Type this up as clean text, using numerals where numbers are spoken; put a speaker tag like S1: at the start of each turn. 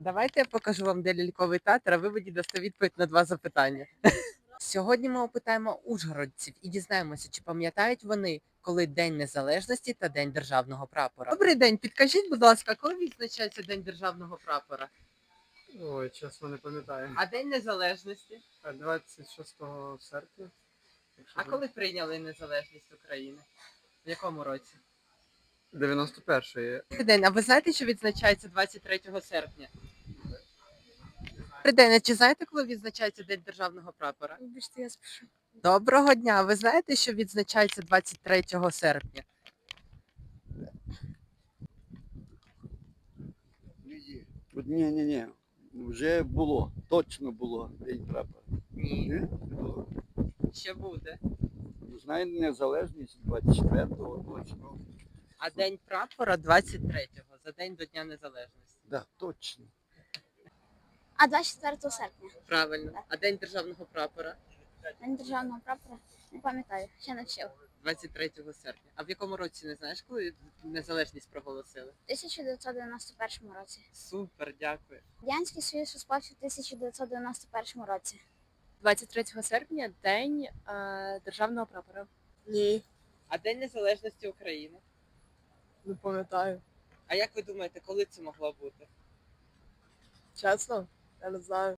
S1: Давайте я покажу вам, де ляльковий театр, а ви мені дасте відповідь на 2 запитання. Сьогодні ми опитаємо ужгородців і дізнаємося, чи пам'ятають вони, коли День Незалежності та День Державного прапора. Добрий день, підкажіть, будь ласка, коли відзначається День Державного прапора?
S2: Ой, чесно не пам'ятаю.
S1: А День Незалежності?
S2: 26 серпня.
S1: А коли прийняли незалежність України? В якому році?
S2: 91-ї.
S1: Добрий день, а ви знаєте, що відзначається 23 серпня? Добрий день, а чи знаєте, коли відзначається День Державного прапора?
S3: Вибачте, я спішу.
S1: Доброго дня! Ви знаєте, що відзначається 23 серпня?
S4: Ні. Вже було, точно було День прапора.
S1: Ні,
S4: Ні? Було.
S1: ще буде.
S4: Знаю, незалежність 24-го точно.
S1: А День прапора 23-го, за день до Дня Незалежності.
S4: Да, точно.
S3: А 24 серпня.
S1: Правильно. А День Державного прапора
S3: День державного прапора. Не пам'ятаю, ще не вчив.
S1: 23 серпня. А в якому році не знаєш, коли незалежність проголосили?
S3: У 1991 році.
S1: Супер, дякую.
S3: Радянський Союз розпався в 1991 році.
S5: 23 серпня День Державного прапора.
S1: Ні. А День Незалежності України?
S5: Не пам'ятаю.
S1: А як ви думаєте, коли це могло бути?
S5: Чесно? Я не знаю.